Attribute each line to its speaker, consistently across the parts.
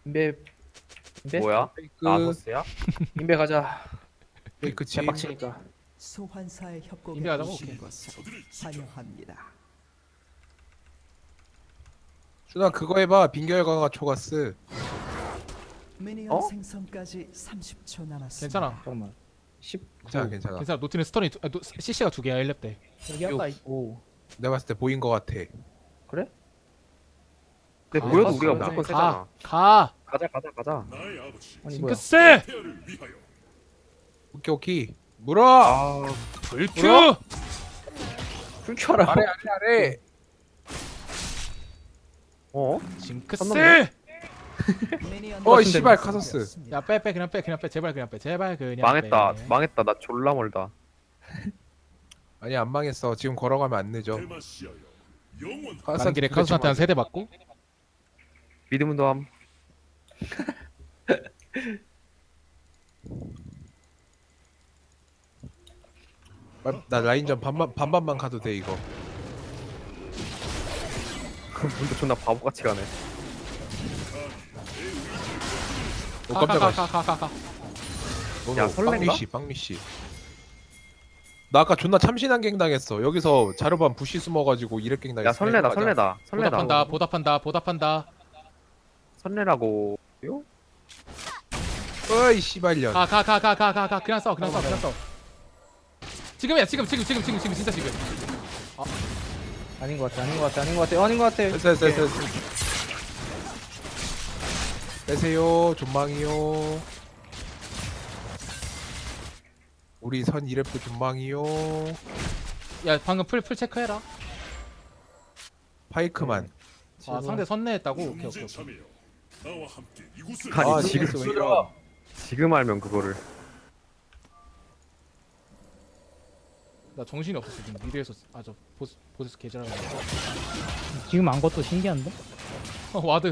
Speaker 1: 인베 인베
Speaker 2: 뭐야?
Speaker 3: 페이크
Speaker 2: 나서스야?
Speaker 1: 인베 가자.
Speaker 3: 페이크 침.
Speaker 1: 개빡치니까.
Speaker 4: 소환사의 협곡에
Speaker 5: 인베하자고?
Speaker 4: 오신
Speaker 5: 오케이.
Speaker 4: 것을 환영합니다.
Speaker 3: 준아 그거 해봐. 빈결 강화 초가스.
Speaker 4: 미니언
Speaker 2: 어?
Speaker 4: 생성까지 30초 남았습니다.
Speaker 5: 괜찮아.
Speaker 1: 잠깐만. 10
Speaker 3: 괜찮아 괜찮아.
Speaker 5: 괜찮아. 노티는 스턴이 CC가 2개야 1렙 때.
Speaker 1: 여기 아까 오
Speaker 3: 내가 봤을 때 보인 거 같아.
Speaker 1: 그래?
Speaker 2: 근데
Speaker 5: 아,
Speaker 2: 보여도
Speaker 1: 가서
Speaker 2: 우리가
Speaker 1: 가자.
Speaker 2: 무조건 세잖아.
Speaker 5: 가.
Speaker 2: 가자.
Speaker 1: 아니 뭐야?
Speaker 5: 징크스.
Speaker 3: 오케이 오케이. 물어.
Speaker 2: 아,
Speaker 5: 불큐.
Speaker 3: 뭐야?
Speaker 1: 풀큐 하라.
Speaker 3: 아래.
Speaker 2: 어?
Speaker 5: 징크스.
Speaker 2: 선넘네.
Speaker 4: 미니언
Speaker 3: 어이,
Speaker 4: 생성까지
Speaker 3: 씨발, 카서스.
Speaker 4: 되었습니다.
Speaker 5: 야 빼 그냥 빼 제발 그냥 빼
Speaker 2: 망했다. 나 졸라 멀다.
Speaker 3: 아니 안 망했어. 지금 걸어가면 안 늦어.
Speaker 5: 가는 길에 카수한테 한 세대 맞고.
Speaker 2: 믿음도 함.
Speaker 3: 나 라인전 반반만 가도 돼 이거.
Speaker 2: 문도 존나 바보같이 가네.
Speaker 3: 오 깜짝아.
Speaker 5: 가.
Speaker 2: 야, 설렌가?
Speaker 3: 빵미 씨. 나 아까 존나 참신한 갱 당했어. 여기서 자르반 부시 숨어가지고 이랩 갱 당했어.
Speaker 2: 야, 설레다.
Speaker 5: 보답한다.
Speaker 2: 설레라고요?
Speaker 3: 어이 씨발년.
Speaker 5: 가. 그냥 싸워. 지금이야. 지금 진짜 지금.
Speaker 1: 아닌 것 같아.
Speaker 3: 됐어. 빼세요. 존망이요. 우리 선 이랩도 존망이요.
Speaker 5: 야 방금 풀 체크해라.
Speaker 3: 파이크만.
Speaker 5: 아 상대 선내했다고. 오케이.
Speaker 2: 아니,
Speaker 3: 아
Speaker 2: 지금,
Speaker 3: 지금 왜 이러?
Speaker 2: 지금 알면 그거를.
Speaker 5: 나 정신이 없었어 지금 미드에서. 저 보스 개잘하는 거.
Speaker 6: 지금 안 것도 신기한데?
Speaker 5: 와드.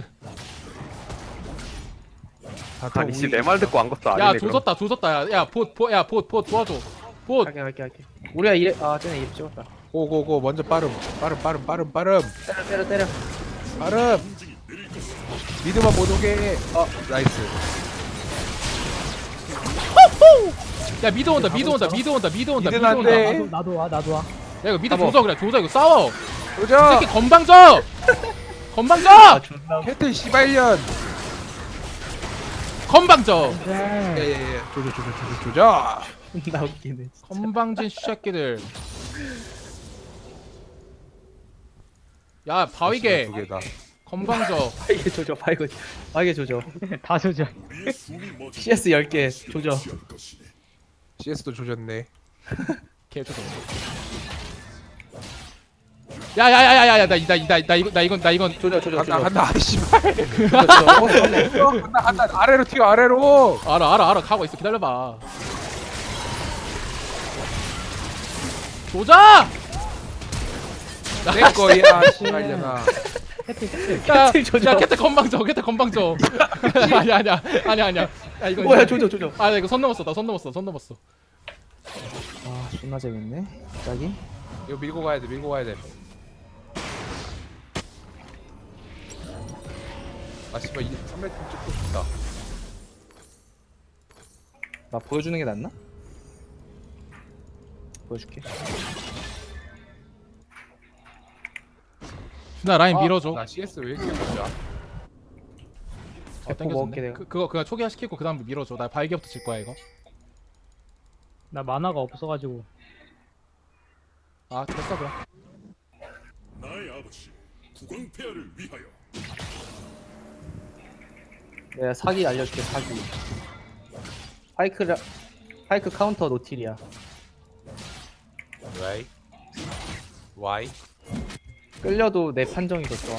Speaker 2: 아니, 씨, 내 말 듣고 안 것도 아니네.
Speaker 5: 야
Speaker 2: 그럼.
Speaker 5: 조졌다. 야봇 도와줘. 봇.
Speaker 1: 할게. 우리가 이래 쟤네 이래 찍었다.
Speaker 3: 고고고 먼저 빠름.
Speaker 1: 때려.
Speaker 3: 빠름. 미드만 못 오게. 나이스.
Speaker 5: 야 미드 온다.
Speaker 3: 미드는 안 돼.
Speaker 6: 나도 와.
Speaker 5: 야 이거 미드
Speaker 1: 가보.
Speaker 5: 조져 이거 싸워. 이
Speaker 3: 도전.
Speaker 5: 새끼 건방져.
Speaker 3: 캐틀 씨발년.
Speaker 5: 건방져.
Speaker 3: 예예예. 조져.
Speaker 1: 나 웃기네.
Speaker 5: 건방진 새끼들. 야 바위게
Speaker 3: 두 개다.
Speaker 5: 건방져.
Speaker 1: 바이게 조져.
Speaker 6: 다 조져.
Speaker 1: CS 10개 조져.
Speaker 3: CS도 조졌네.
Speaker 5: 개조져. 야야야야야 나 이건
Speaker 1: 조져.
Speaker 3: 간다. 씨발.
Speaker 1: 조져.
Speaker 3: 간다. 아래로 튀어 아래로.
Speaker 5: 알아 가고 있어. 기다려봐. 조져.
Speaker 3: 내 거야 씨발년아.
Speaker 5: 야
Speaker 1: 조져.
Speaker 5: 캐트 건방져. 아니야. 야 이거
Speaker 1: 뭐야 조져.
Speaker 5: 아 이거 선 넘었어. 나 선 넘었어.
Speaker 1: 아 존나 재밌네. 갑자기.
Speaker 3: 이거 밀고 가야 돼. 아 씨발 이 3m 찍고 싶다.
Speaker 1: 나 보여주는 게 낫나? 보여줄게.
Speaker 5: 준아 라인 밀어줘.
Speaker 3: 나 CS 왜 이렇게 보자.
Speaker 1: 대포 먹을게, 내가.
Speaker 5: 그거 그냥 초기화 시키고 그다음 밀어줘. 나 발기부터 칠 거야 이거.
Speaker 6: 나 만화가 없어가지고.
Speaker 5: 아 됐어 그럼.
Speaker 7: 나의 아버지 국왕폐하를 위하여
Speaker 1: 내가 사기 알려줄게. 사기. 파이크 카운터 노틸이야.
Speaker 3: Why?
Speaker 1: 끌려도 내 판정이 더 좋아.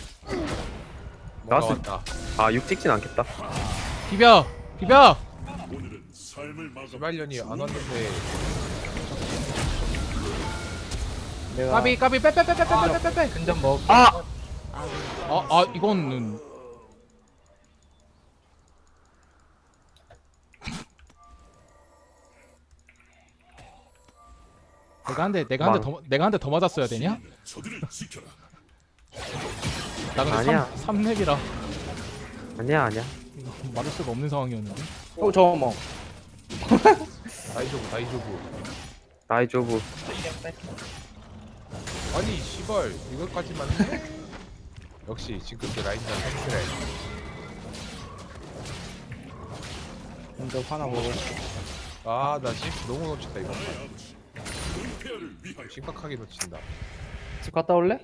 Speaker 3: 뭔가
Speaker 2: 나왔을
Speaker 3: 왔다.
Speaker 2: 아, 6 찍진 않겠다.
Speaker 5: 비벼.
Speaker 7: 오늘은 삶을 마감
Speaker 3: 씨발년이 안 왔는데.
Speaker 1: 내가
Speaker 5: 까비 빼.
Speaker 1: 근접 먹.
Speaker 5: 이거는 내가 한 대 더 맞았어야 되냐?
Speaker 7: 저들을 지켜라.
Speaker 5: 나 근데
Speaker 2: 아니야.
Speaker 5: 3렙이라.
Speaker 2: 아니야.
Speaker 5: 이거 막을 수가 없는 상황이었는데.
Speaker 1: 저거 뭐.
Speaker 3: 다이조브.
Speaker 2: 나이조브.
Speaker 3: 아니 씨발 이것까지만 해? 역시 징크스 라인전 햄스레.
Speaker 1: 먼저 하나 먹어.
Speaker 3: 아나 너무 놓친다 이거.
Speaker 7: 나의 아버지 구강폐하를 위하여
Speaker 3: 심각하게 놓친다.
Speaker 1: 집 갔다 올래?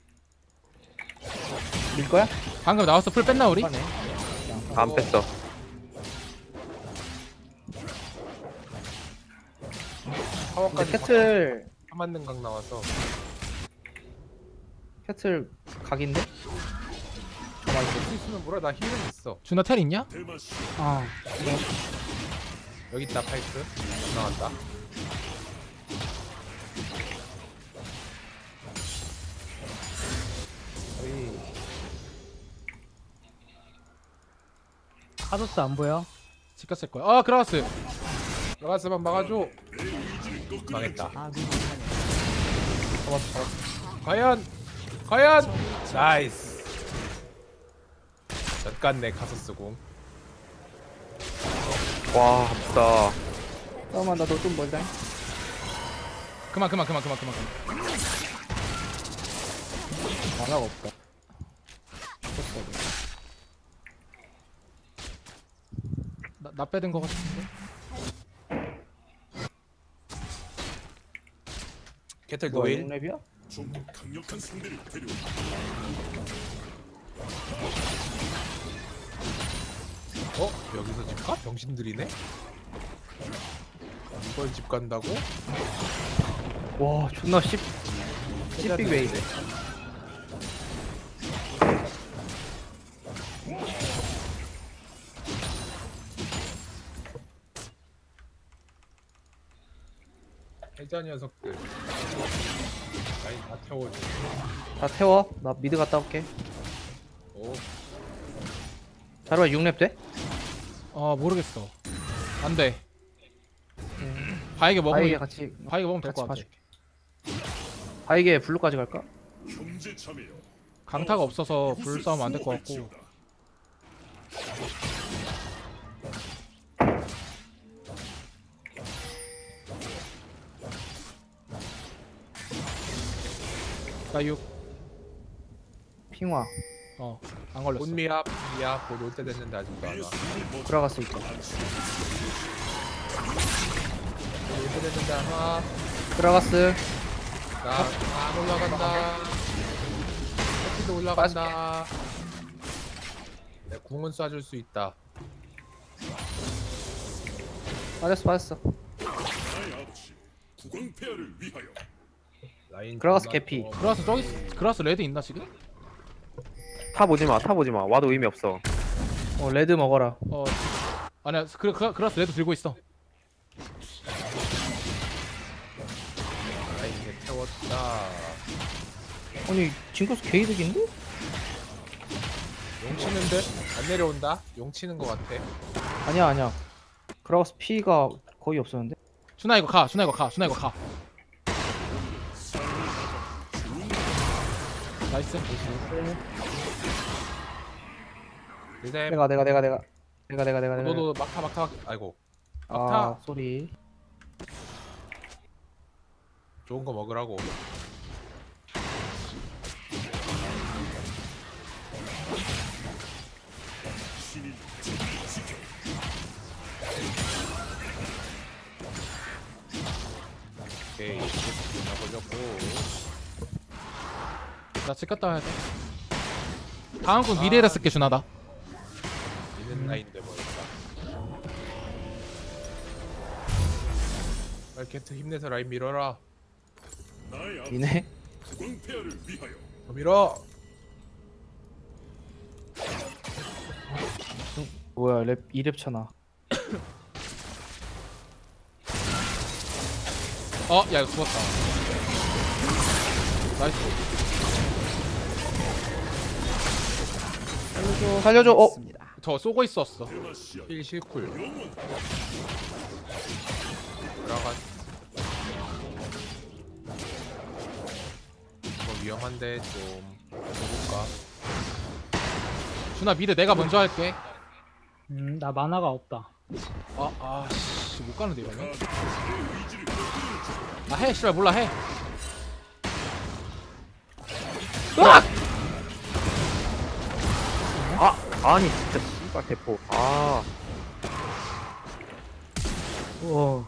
Speaker 1: 밀 거야?
Speaker 5: 방금 나왔어. 풀 뺐나 우리?
Speaker 1: 하네.
Speaker 2: 안 뺐어.
Speaker 1: 근데
Speaker 3: 파워까지
Speaker 1: 캐틀
Speaker 3: 맞는 각 나와서
Speaker 1: 각인데?
Speaker 3: 할수 있으면 뭐라 나 힐은 있어.
Speaker 5: 준아 텔 있냐?
Speaker 7: 대마시
Speaker 6: 아
Speaker 3: 여기 있다 파이프 나왔다. 어이
Speaker 6: 카도스 안 보여?
Speaker 5: 지켰을 거야. 아 그라가스.
Speaker 3: 들어갔으면 막아줘.
Speaker 7: 내 의지를 꺾으려
Speaker 3: 망했다.
Speaker 4: 아군이 사냥.
Speaker 3: 과연 나이스. 젖갔네 카서스 공.
Speaker 2: 와 아프다.
Speaker 1: 잠깐만 나도 좀 멀다.
Speaker 5: 그만.
Speaker 1: 만화가 없다.
Speaker 5: 나 빼든 거 같은데.
Speaker 3: 캐틀
Speaker 1: 뭐야
Speaker 3: 노일.
Speaker 1: 6렙이야?
Speaker 7: 좀 더 강력한 상대를 데려와.
Speaker 3: 여기서 집 가? 병신들이네. 이걸 집 간다고?
Speaker 1: 와 존나 씹빅 웨이드.
Speaker 3: 해자 녀석들. 라인 다 태워줘.
Speaker 1: 다 태워. 나 미드 갔다 올게.
Speaker 3: 오.
Speaker 1: 자루야 6렙 돼?
Speaker 5: 모르겠어. 안 돼. 바이게
Speaker 1: 바이게
Speaker 5: 먹으면
Speaker 1: 같이
Speaker 5: 바이게 먹으면 될
Speaker 1: 같이
Speaker 5: 것 같아.
Speaker 1: 봐줄게. 바이게 블루까지 갈까?
Speaker 7: 형제 자매여.
Speaker 5: 강타가 없어서 불 싸움 안 될 것 같고. 나 6.
Speaker 1: 핑화
Speaker 5: 안 걸렸어.
Speaker 3: 온미압 미압 곧 올 때 됐는데 아직도 안 와.
Speaker 1: 들어갔을 때.
Speaker 3: 올 때 됐는데 안 와.
Speaker 1: 들어갔어.
Speaker 3: 나안 올라간다. 커피도 올라간다. 내 궁은 쏴줄 수 있다.
Speaker 1: 빠졌어.
Speaker 7: 나의 아버지 구강폐하를 위하여.
Speaker 3: 라인
Speaker 1: 들어가서
Speaker 3: 존나
Speaker 1: 개피.
Speaker 3: 좋아.
Speaker 5: 그라스 저기 그라스 레드 있나 지금?
Speaker 2: 탑 오지마. 와도 의미 없어.
Speaker 1: 레드 먹어라.
Speaker 5: 아니야. 그라스 레드 들고 있어.
Speaker 3: 라인 개 태웠다.
Speaker 1: 아니 징크스 게이득인데?
Speaker 3: 용 치는데 안 내려온다. 용 치는 거 같아.
Speaker 1: 아니야. 그라가스 피가 거의 없었는데?
Speaker 5: 준아 이거 가. 나이스.
Speaker 3: 일단
Speaker 1: 내가.
Speaker 3: 너도 막타. 아이고
Speaker 1: 아
Speaker 3: 막타.
Speaker 1: 소리.
Speaker 3: 좋은 거 먹으라고.
Speaker 7: 신이 저를 지켜.
Speaker 3: 오케이. 나 걸렸고.
Speaker 5: 나 집 갔다 와야 돼. 다음 건 미래에다 쓸게 준아다.
Speaker 3: 있는 라인데 뭐였다. 빨리 캐트 힘내서 라인 밀어라.
Speaker 7: 나의 아버지
Speaker 1: 이네.
Speaker 7: 구강폐하를 위하여.
Speaker 3: 더 밀어.
Speaker 1: 뭐야 랩 2랩 쳐나.
Speaker 5: 야 이거 죽었다. 나이스.
Speaker 1: 살려줘.
Speaker 4: 있습니다.
Speaker 5: 저 쏘고 있었어.
Speaker 7: 대마시아
Speaker 3: 힐 실쿨.
Speaker 7: 영원.
Speaker 3: 들어가. 이거 위험한데 좀 해볼까?
Speaker 5: 준아 미드 내가 먼저 할게.
Speaker 6: 나 만화가 없다.
Speaker 5: 씨, 못 가는데 이러면. 해, 씨발 몰라 해. 으악!
Speaker 2: 아니 진짜 씨발 대포. 아
Speaker 1: 우와.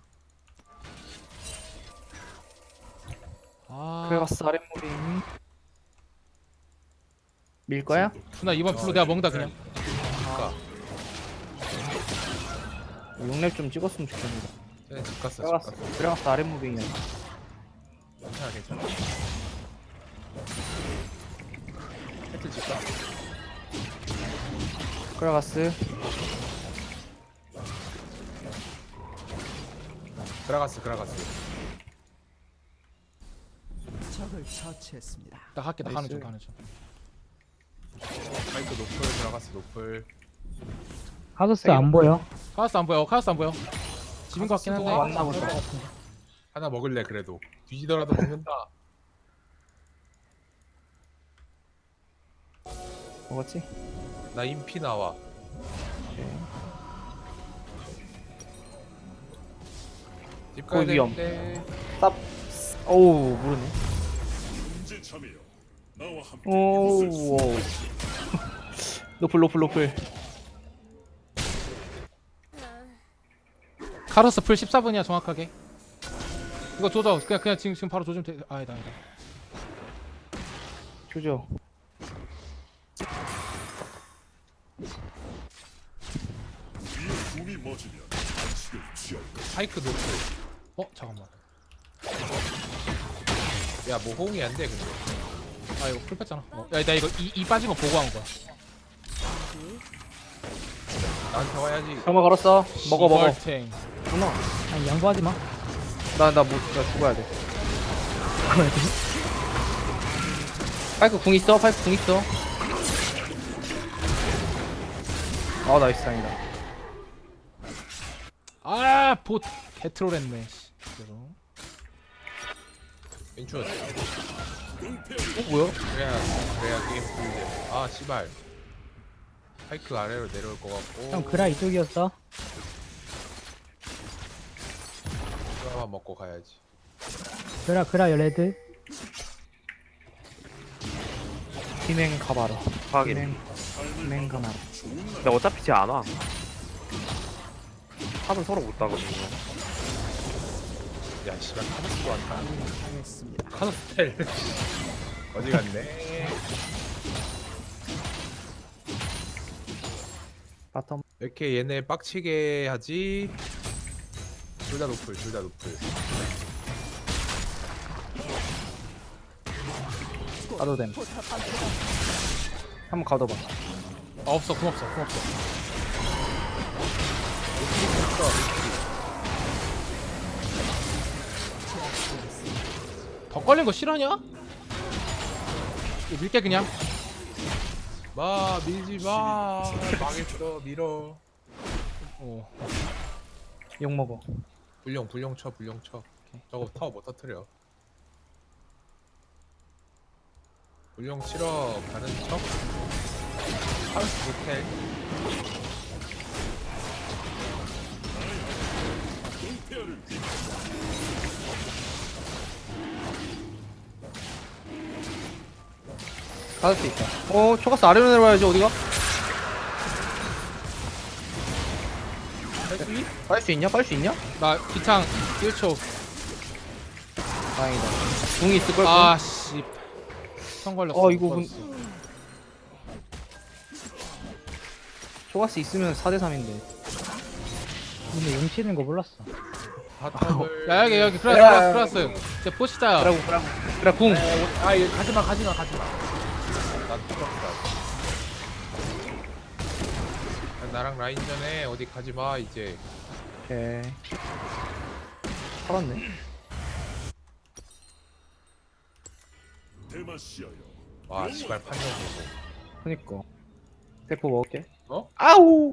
Speaker 1: 그래갔어 아랫무빙. 밀 거야?
Speaker 5: 준아 이번 플로 내가 먹는다 그냥.
Speaker 3: 그니까
Speaker 1: 6렙 좀 찍었으면 좋겠는데.
Speaker 3: 쟤네 집 갔어 집
Speaker 1: 그래갔어.
Speaker 3: 갔어.
Speaker 1: 그래갔어 아랫무빙이야.
Speaker 3: 괜찮아 괜찮아. 해틀 집 갔어.
Speaker 1: 그래갔어.
Speaker 3: 그라가스.
Speaker 4: 적을 처치했습니다.
Speaker 5: 나 할게 나 가는 중
Speaker 1: 나이스.
Speaker 5: 가는 중.
Speaker 3: 파이크 노플 그라가스 노플.
Speaker 6: 카소스 안 보여.
Speaker 5: 카우스 안 보여. 카우스 안 보여. 집인 것 같긴 한데.
Speaker 1: 왔나 보다.
Speaker 3: 하나 먹을래 그래도. 뒤지더라도 먹는다.
Speaker 1: 먹었지?
Speaker 3: 나 인피 나와. 집 가야
Speaker 1: 거기 위험.
Speaker 3: 되는데.
Speaker 1: 쌉. 오우 모르네.
Speaker 7: 문제 참여여. 나와 함께
Speaker 1: 오우.
Speaker 7: 이곳을
Speaker 1: 노플.
Speaker 5: 카로스 풀 14분이야 정확하게. 이거 조져. 그냥 지금 바로 조지면 돼. 아니다.
Speaker 1: 조져.
Speaker 7: 위에 숨이 멎으면 반칙을 취할 것.
Speaker 3: 파이크 노플.
Speaker 5: 잠깐만.
Speaker 3: 야 뭐 호응이 안 돼 근데.
Speaker 5: 이거 풀 뺐잖아. 야, 나 이거 이 빠진 거 보고 한 거야.
Speaker 3: 나한테 와야지.
Speaker 1: 정말 걸었어. 먹어.
Speaker 5: 시벌탱.
Speaker 1: 누나.
Speaker 6: 아니 양보하지 마.
Speaker 1: 나 죽어야 돼. 파이크 궁 있어. 아 나이스 다행이다.
Speaker 5: 봇 개트롤했네. 그대로.
Speaker 3: 인추어.
Speaker 1: 뭐야?
Speaker 3: 그래야 게임 풀리지. 아 씨발. 파이크 아래로 내려올 것 같고.
Speaker 6: 형 그라 이쪽이었어.
Speaker 3: 하나만 먹고 가야지.
Speaker 6: 그라 레드.
Speaker 1: 비냉 가봐라.
Speaker 2: 확인.
Speaker 1: 비냉 가봐라.
Speaker 2: 근데 어차피 쟤 안 와. 탑은 서로 못 따거든요.
Speaker 3: 야 씨발 카드스도 안 타.
Speaker 4: 당했습니다.
Speaker 3: 카드스텔. 어디 갔네.
Speaker 1: 바텀.
Speaker 3: 왜 이렇게 얘네 빡치게 하지? 둘 다 노플.
Speaker 1: 가도 됨. 한번 가둬봐.
Speaker 5: 없어. 금 없어. 더 걸린 거 싫어하냐? 이거 밀게 그냥.
Speaker 3: 밀지 마. 망했어. 밀어.
Speaker 1: 욕 먹어.
Speaker 3: 불용 쳐. 저거 타워 못 터뜨려. 불용 치러 가는 척. 하우스 모텔.
Speaker 1: 가을 수 있다. 초가스 아래로 내려와야지 어디가? 빨 수 있냐?
Speaker 5: 나 기창 1초.
Speaker 1: 다행이다. 궁이 있을 걸.
Speaker 5: 아씨. 성 걸렸어.
Speaker 1: 이거
Speaker 5: 못
Speaker 1: 군-
Speaker 5: 걸었어.
Speaker 1: 초가스 있으면 4대 3인데.
Speaker 6: 근데 용 치는 거 몰랐어.
Speaker 3: 바텀을.
Speaker 5: 야 여기
Speaker 1: 야.
Speaker 5: 크라스. 이제 포시다.
Speaker 1: 그래 궁.
Speaker 3: 얘 가지마. 난 풀었다. 나랑 라인전에 어디 가지마 이제.
Speaker 1: 오케이. 살았네.
Speaker 7: 대마시아여.
Speaker 3: 와 씨발 판정 보고.
Speaker 1: 그니까. 대포 먹을게.
Speaker 5: 아우.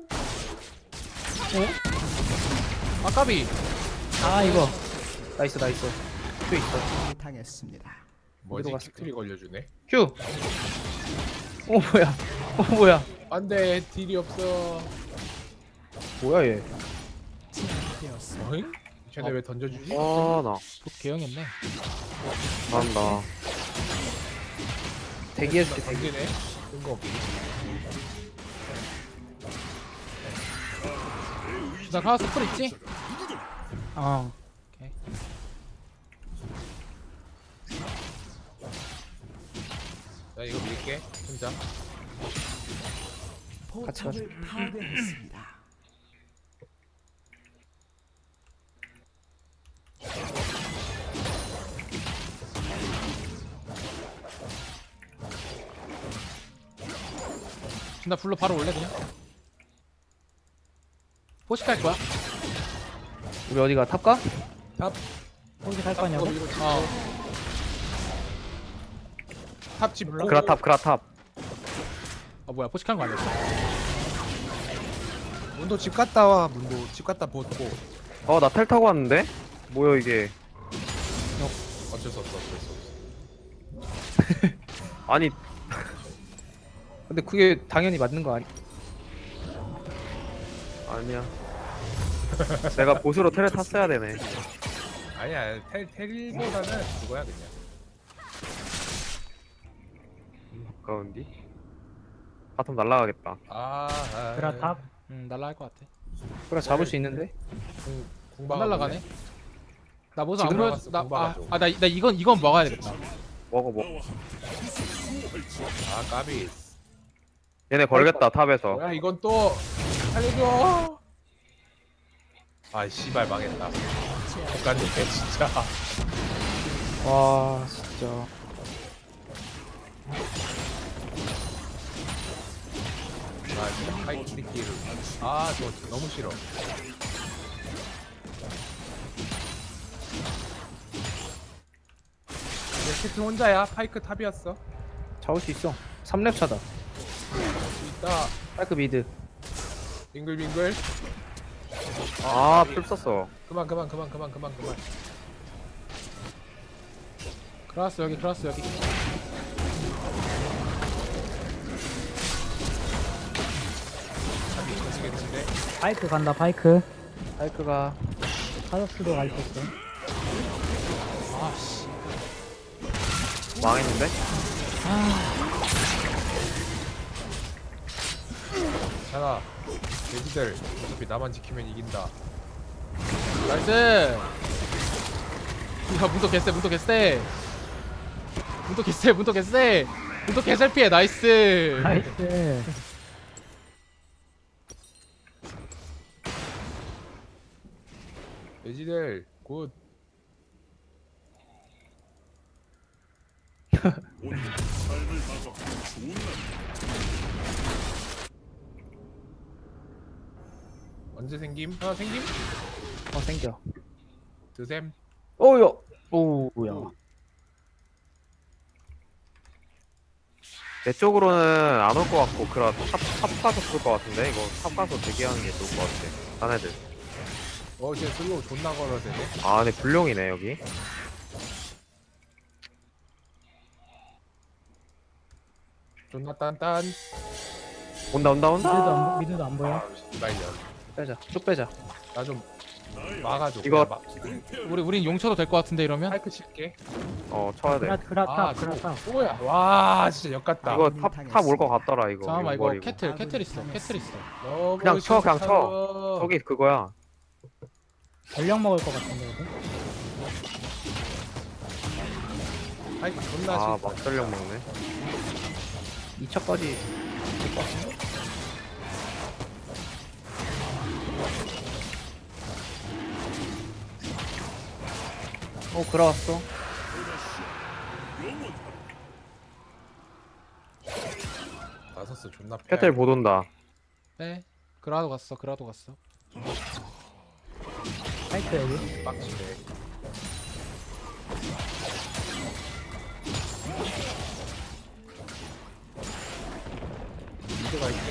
Speaker 5: 아까비.
Speaker 6: 이거
Speaker 1: 나이스. 큐 있어.
Speaker 4: 당했습니다.
Speaker 3: 뭐지?
Speaker 1: 갔을까?
Speaker 3: 키클이 걸려주네.
Speaker 1: 큐. 뭐야? 뭐야?
Speaker 3: 안돼 딜이 없어.
Speaker 1: 뭐야 얘?
Speaker 4: 제압되었습니다.
Speaker 3: 어잉? 쟤네 왜 던져주지?
Speaker 2: 아나
Speaker 5: 또 개형했네.
Speaker 2: 난다.
Speaker 1: 대기해줄게.
Speaker 3: 던지네. 뜬금없이.
Speaker 5: 나 카우스 풀 있지?
Speaker 6: 어.
Speaker 5: 오케이.
Speaker 3: 나 이거 밀게 혼자.
Speaker 4: 포탑을 파괴했습니다.
Speaker 5: 나 불러 바로 올래 그냥. 포식할 거야?
Speaker 1: 우리 어디가 탑가?
Speaker 6: 거기 갈 거냐고?
Speaker 5: 어.
Speaker 3: 탑집 몰라?
Speaker 2: 그라탑 그라탑.
Speaker 5: 아 뭐야 포식한 거 아니었어?
Speaker 3: 문도 집 갔다 와. 문도 집 갔다 보고.
Speaker 2: 나 텔 타고 왔는데? 뭐야 이게?
Speaker 3: 어쩔 수 없어 어쩔 수 없어.
Speaker 2: 아니
Speaker 1: 근데 그게 당연히 맞는 거 아니?
Speaker 2: 아니야. 내가 보스로 텔을 탔어야 되네.
Speaker 3: 아니야 텔보다는 그거야 그냥.
Speaker 2: 가까운디? 바텀 날라가겠다.
Speaker 6: 그라탑?
Speaker 5: 날라갈 것 같아.
Speaker 1: 그래 잡을 수 있는데?
Speaker 5: 안 날라가네. 나 모습 안
Speaker 3: 지금
Speaker 5: 보여.
Speaker 3: 나갔어, 공방하죠.
Speaker 5: 나나 이건 먹어야 되겠다.
Speaker 2: 먹어.
Speaker 3: 아 까비.
Speaker 2: 얘네 걸겠다 탑에서.
Speaker 3: 뭐야 이건 또 살려줘. 아 씨발 망했다. 국가님 진짜.
Speaker 1: 와 진짜.
Speaker 3: 아 진짜 파이트끼를. 아저 너무 싫어. 캐트 혼자야. 파이크 탑이었어.
Speaker 1: 잡을 수 있어. 3렙 차다.
Speaker 3: 있다.
Speaker 1: 파이크 미드.
Speaker 3: 빙글빙글.
Speaker 2: 풀 썼어.
Speaker 3: 그만.
Speaker 5: 크라스 여기.
Speaker 3: 미치겠는데.
Speaker 6: 바이크 간다, 바이크.
Speaker 1: 파이크가
Speaker 6: 카더스도 갈 수 있어.
Speaker 5: 아씨.
Speaker 2: 망했는데?
Speaker 3: 괜찮아. 돼지들 어차피 나만 지키면 이긴다.
Speaker 5: 나이스. 야 문도 개쎄. 문도 개셀피해. 나이스.
Speaker 6: 나이스.
Speaker 3: 돼지들 굿.
Speaker 7: 오늘 삶을 막아 좋은 날.
Speaker 3: 언제 생김? 하나 생김?
Speaker 1: 생겨.
Speaker 3: 드셈.
Speaker 1: 오야. 오야.
Speaker 2: 내 쪽으로는 안 올 것 같고 탑 가서 쏠 것 같은데 이거 탑 가서 대기하는 게 좋을 것 같아. 딴 애들.
Speaker 3: 쟤 슬로우 존나 걸어대네.
Speaker 2: 아 근데 불룡이네 여기.
Speaker 3: 존나 딴딴.
Speaker 2: 온다.
Speaker 6: 미드도 안 보여.
Speaker 3: 말년.
Speaker 1: 빼자. 쭉 빼자.
Speaker 3: 나 좀 막아줘.
Speaker 2: 이거-
Speaker 3: 그냥
Speaker 5: 우린 용쳐도 될 것 같은데 이러면.
Speaker 3: 파이크 칠게.
Speaker 2: 쳐야 돼.
Speaker 6: 그라탑.
Speaker 3: 뭐야? 와 진짜 역같다.
Speaker 2: 이거 탑 올 것 같더라 이거.
Speaker 5: 잠깐만 이거
Speaker 2: 용벌이고.
Speaker 5: 캐틀 있어.
Speaker 3: 너무
Speaker 2: 그냥 쳐, 그냥
Speaker 3: 싫어.
Speaker 2: 저기 그거야.
Speaker 6: 전력 먹을 것 같은데, 여기.
Speaker 3: 파이크 존나
Speaker 2: 아
Speaker 3: 싫어.
Speaker 2: 막전력 먹네.
Speaker 1: 2차까지 될 것 같은데? 그라 왔어.
Speaker 3: 나섰어 존나 패.
Speaker 2: 캐틀 못 온다.
Speaker 5: 네. 그라도 갔어.
Speaker 6: 바이크 여기.
Speaker 3: 빡치네. 미드가 있게.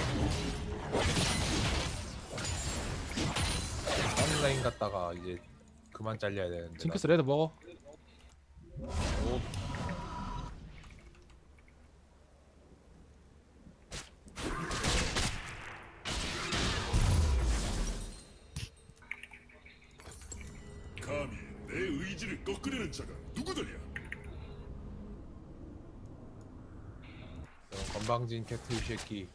Speaker 3: 다음 라인 갔다가 이제 그만 잘려야 되는데.
Speaker 5: 징크스 레드 먹어.
Speaker 7: 의지를 꺾으려는 자가 누구더냐?
Speaker 3: 건방진 캐트 이 새끼.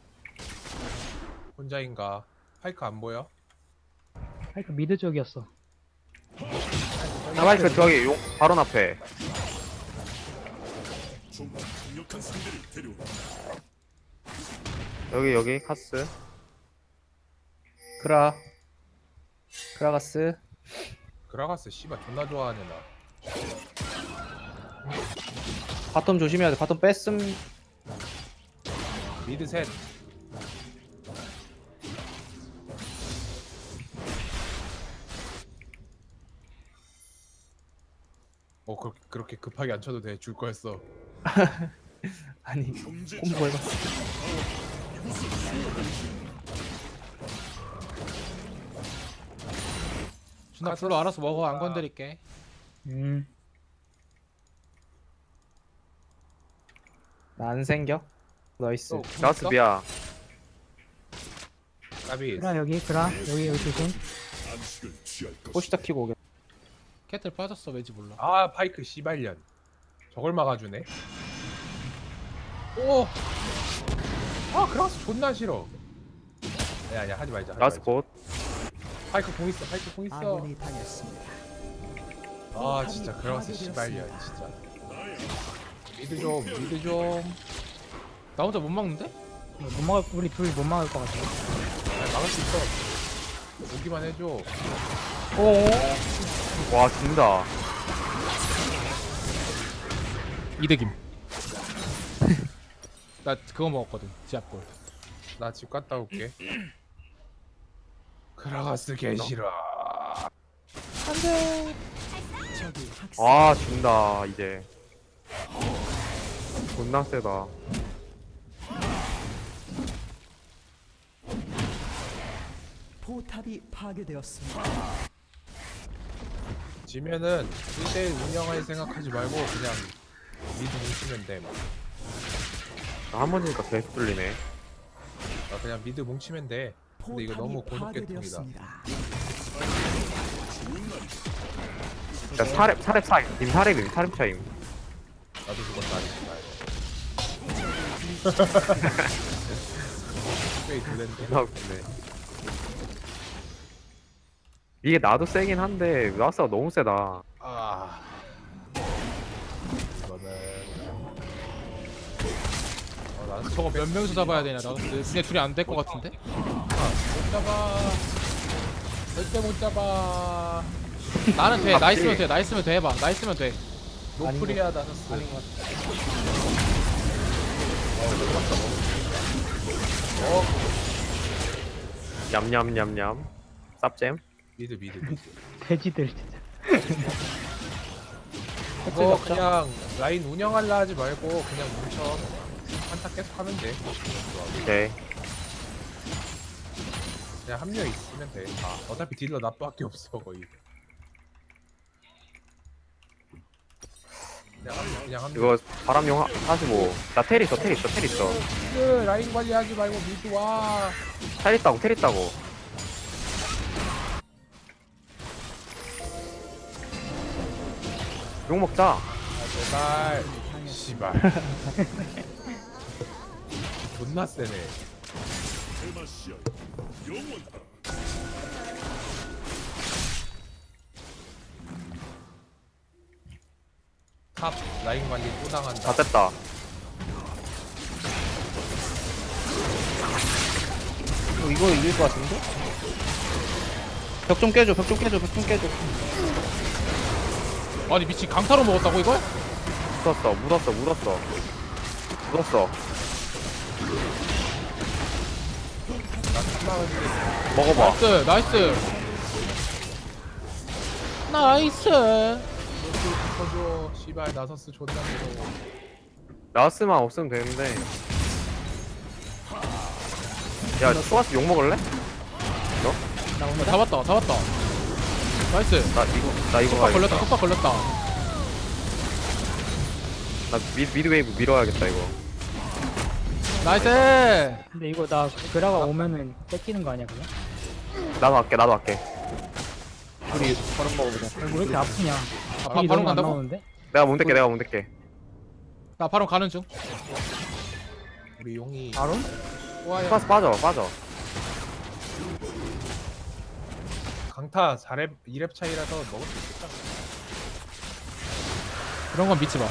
Speaker 3: 혼자인가? 파이크 안 보여?
Speaker 6: 파이크 미드 쪽이었어.
Speaker 2: 나마이크 저기 용 바로 앞에.
Speaker 7: 좀 강력한 상대를 데려오라.
Speaker 2: 여기 카스.
Speaker 1: 크라가스.
Speaker 3: 그라가스 씨발 존나 좋아하네 나.
Speaker 1: 바텀 조심해야 돼. 바텀 뺐음.
Speaker 3: 미드 셋. 그렇게 급하게 안 쳐도 돼. 줄 거였어.
Speaker 1: 아니
Speaker 7: 경제
Speaker 1: 콤보 해봤어.
Speaker 5: 준아 불러 알아서 먹어. 안 건드릴게.
Speaker 1: 나 안 생겨. 나이스.
Speaker 2: 나스 미야.
Speaker 3: 까비.
Speaker 6: 그라 여기 여기 조심.
Speaker 7: 안식을 취할 것.
Speaker 1: 포시다 키고 오겠다.
Speaker 5: 캐틀 빠졌어. 왜지 몰라.
Speaker 3: 아 파이크 씨발년. 저걸 막아주네. 오. 아 그라가스 존나 싫어. 아니야 하지 말자.
Speaker 2: 나스 봇.
Speaker 3: 파이크 공 있어. 파이크 공 있어.
Speaker 4: 아군이 당했습니다.
Speaker 3: 아 진짜 그라가스 씨발년 진짜. 미드 좀.
Speaker 5: 나 혼자 못 막는데?
Speaker 6: 못 막을 우리 둘이 못 막을 것 같아.
Speaker 3: 아니, 막을 수 있어. 오기만 해줘.
Speaker 2: 와 진다.
Speaker 5: 이득임. 나 그거 먹었거든. 지압골.
Speaker 3: 나 집 갔다 올게. 그라가스 개 싫어.
Speaker 4: 적이 학살.
Speaker 2: 아 진다 이제. 존나 세다.
Speaker 4: 포탑이 파괴되었습니다.
Speaker 3: 지면은 1대1 운영할 생각하지 말고 그냥 미드 뭉치면 돼.
Speaker 2: 한 번이니까 계속 뚫리네.
Speaker 3: 그냥 미드 뭉치면 돼. 근데 이거 너무
Speaker 4: 포탑이
Speaker 3: 고독계통이다.
Speaker 4: 파괴되었습니다.
Speaker 2: 야 사렙 차임. 님 사렙임. 사렙 차임.
Speaker 3: 나도 죽었다 아니지만. 꽤 두랜데.
Speaker 2: 존나 웃기네. 이게 나도 세긴 한데 나스가 너무 세다.
Speaker 3: 아. 이거는. 나는
Speaker 5: 저거 몇 명이서 잡아야 되냐? 나도 근데 둘이 안 될 것 같은데?
Speaker 3: 못 잡아. 절대 못 잡아.
Speaker 5: 나는 돼. 나이스면 돼. 나이스면 돼. 해봐. 나이스면 돼.
Speaker 3: 노플이야 나서스.
Speaker 1: 아닌 것 같아.
Speaker 2: 냠냠냠냠. 쌉잼.
Speaker 3: 미드.
Speaker 6: 돼지들 진짜.
Speaker 3: 이거 그냥 라인 운영하려 하지 말고 그냥 뭉쳐. 한타 계속 하면 돼.
Speaker 2: 오케이.
Speaker 3: 그냥 한 명 있으면 돼. 어차피 딜러 나밖에 없어 거의. 그냥 한 명.
Speaker 2: 이거 바람용 45. 나 텔 있어.
Speaker 3: 라인 관리하지 말고 미드 와.
Speaker 2: 텔 있다고. 욕 먹자.
Speaker 3: 제발. 씨발. 존나 세네.
Speaker 7: 대마시아 영원하.
Speaker 3: 탑 라인 관리 또 당한다.
Speaker 2: 다 됐다.
Speaker 1: 이거 이길 것 같은데? 벽 좀 깨줘.
Speaker 5: 아니 미친 강타로 먹었다고 이걸?
Speaker 2: 묻었어. 먹어봐.
Speaker 5: 나이스.
Speaker 3: 터줘. 씨발 나서스 존나 무서워.
Speaker 2: 나스만 없으면 되는데. 야, 소아스 욕 먹을래?
Speaker 5: 잡았다. 나이스.
Speaker 2: 나 이거 가야겠다.
Speaker 5: 속박 걸렸다.
Speaker 2: 나 미드 웨이브 밀어야겠다 이거.
Speaker 5: 나이스.
Speaker 6: 근데 이거 나 그라가 오면은 뺏기는 거 아니야 그냥?
Speaker 2: 나도 할게.
Speaker 1: 우리 버릇 먹어보자.
Speaker 6: 왜 이렇게 아프냐?
Speaker 5: 바로
Speaker 6: 너무 안
Speaker 5: 간다고?
Speaker 6: 나오는데?
Speaker 2: 내가 못 댈게 내가 못 댈게.
Speaker 5: 나 바로 가는 중.
Speaker 3: 우리 용이
Speaker 6: 바로?
Speaker 5: 와야.
Speaker 2: 스파스 빠져.
Speaker 3: 강타 4렙 2렙 차이라서 먹을 수 있겠다.
Speaker 5: 그런 건 믿지 마.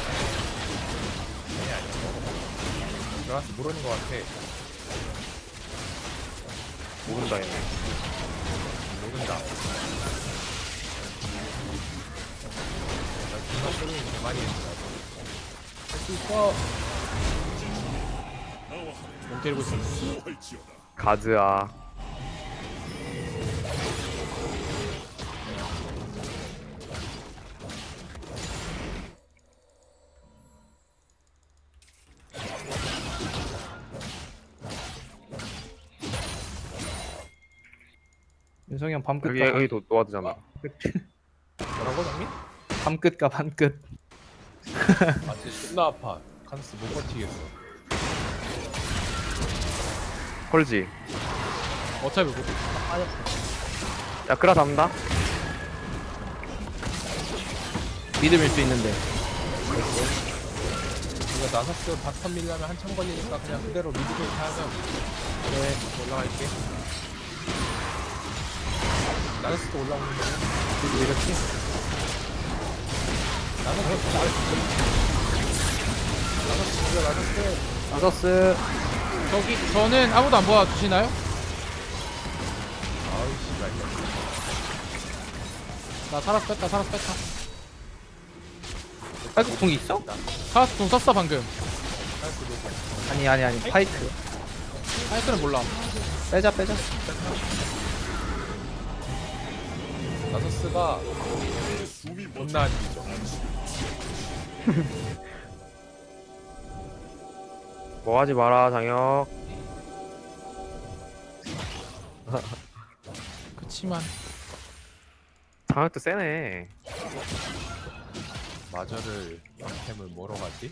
Speaker 3: 들어가서 모르는 것 같아.
Speaker 2: 모른다 얘네.
Speaker 3: 모른다. 나 존나 쇼링 개많이 했어.
Speaker 5: 할수 있어. 멍 때리고 있어.
Speaker 7: 수호할지어다.
Speaker 2: 가즈아.
Speaker 1: 윤성이 형 밤끝
Speaker 2: 여기
Speaker 1: 가
Speaker 2: 여기 도와주잖아.
Speaker 3: 뭐라고 장미?
Speaker 1: 밤끝 가 밤끝.
Speaker 3: 아 진짜 존나 아파. 칸스 못 버티겠어.
Speaker 2: 콜지.
Speaker 5: 어차피 못.
Speaker 2: 야 그라 잡는다.
Speaker 1: 믿음일 수 있는데.
Speaker 3: 이거 나사스 바텀 밀려면 한참 걸리니까 그냥 그대로 미드게임 하면 그래 올라갈게. 나사스도 올라오는데
Speaker 1: 이렇게. 나서스.
Speaker 5: 저기 저는 아무도 안 도와주시나요?
Speaker 3: 아우 씨발.
Speaker 5: 나 살아서 뺐다.
Speaker 1: 팔뚝 이 있어?
Speaker 5: 카라스 공 썼어 방금.
Speaker 1: 아니 파이트.
Speaker 5: 하이크는 몰라.
Speaker 1: 빼자.
Speaker 3: 나사스가
Speaker 7: 숨이
Speaker 3: 존나 안 뒤져.
Speaker 2: 뭐 하지 마라 장혁.
Speaker 5: 그치만
Speaker 2: 장혁도 세네.
Speaker 3: 마저를 양템을 뭐로 가지?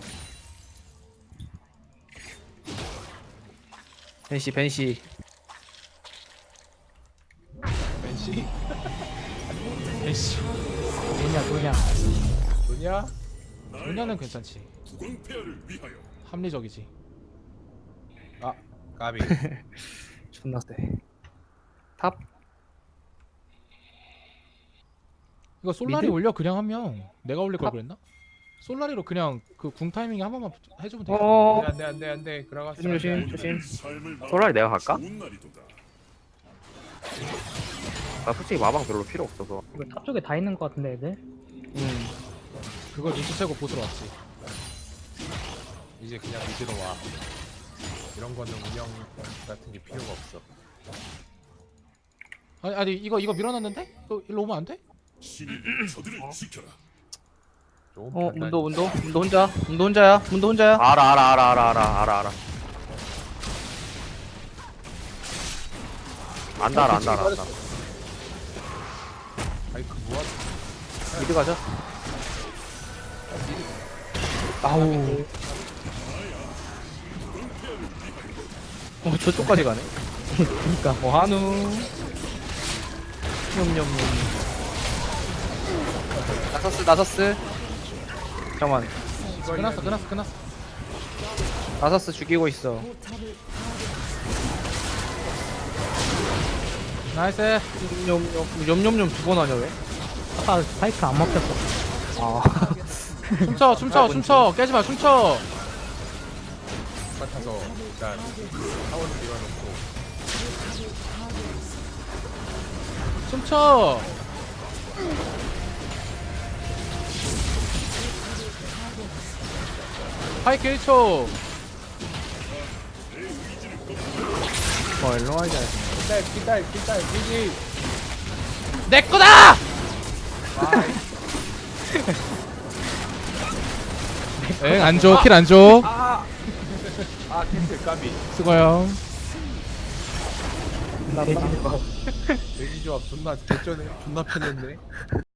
Speaker 1: 벤시.
Speaker 3: 벤시?
Speaker 5: 에이씨.
Speaker 6: 뭐냐.
Speaker 3: 뭐냐?
Speaker 5: 분야는 괜찮지.
Speaker 7: 국왕폐하를 위하여.
Speaker 5: 합리적이지.
Speaker 3: 아 까비.
Speaker 1: 존나 세. 탑.
Speaker 5: 이거 솔라리
Speaker 1: 미드?
Speaker 5: 올려 그냥 하면 내가 올릴 걸 그랬나? 솔라리로 그냥 그 궁 타이밍 한 번만 해주면 돼.
Speaker 1: 어.
Speaker 3: 안돼 그라가스.
Speaker 1: 조심.
Speaker 7: 삶을
Speaker 2: 솔라리 내가 갈까?
Speaker 7: 좋은 날이도다.
Speaker 2: 나 솔직히 마방 별로 필요 없어서.
Speaker 6: 이거 탑 쪽에 다 있는 것 같은데 애들?
Speaker 5: 그걸 눈치채고 보스로 왔지.
Speaker 3: 이제 그냥 미드로 와. 이런 거는 운영 같은 게 필요가 없어.
Speaker 5: 아니 이거 밀어놨는데? 또 일로 오면 안 돼?
Speaker 7: 신이 저들을 지켜라.
Speaker 3: 좋은 판단.
Speaker 1: 문도 혼자야.
Speaker 2: 알아. 안다.
Speaker 3: 아이크 무한.
Speaker 1: 미드 가자. 아우. 저쪽까지 가네. 그니까. 한우. 냠냠냠. 나서스. 잠깐만.
Speaker 5: 끝났어.
Speaker 1: 나서스 죽이고 있어.
Speaker 5: 나이스.
Speaker 1: 냠냠냠 2번 하냐 왜?
Speaker 6: 아까 파이크 안 먹혔어.
Speaker 1: 아.
Speaker 5: 춤춰. 깨지마 춤춰.
Speaker 3: 같아서 일단 타워를 밀어놓고
Speaker 5: 춤춰. 파이크 1초.
Speaker 1: 일로 와야 돼.
Speaker 3: 기다려 미지.
Speaker 5: 내 거다. 엥, 안 줘. 킬 안 줘.
Speaker 3: 아 캔슬 까비.
Speaker 5: 수고요.
Speaker 3: 돼지 조합 존나 개쩌네. 존나 편했네.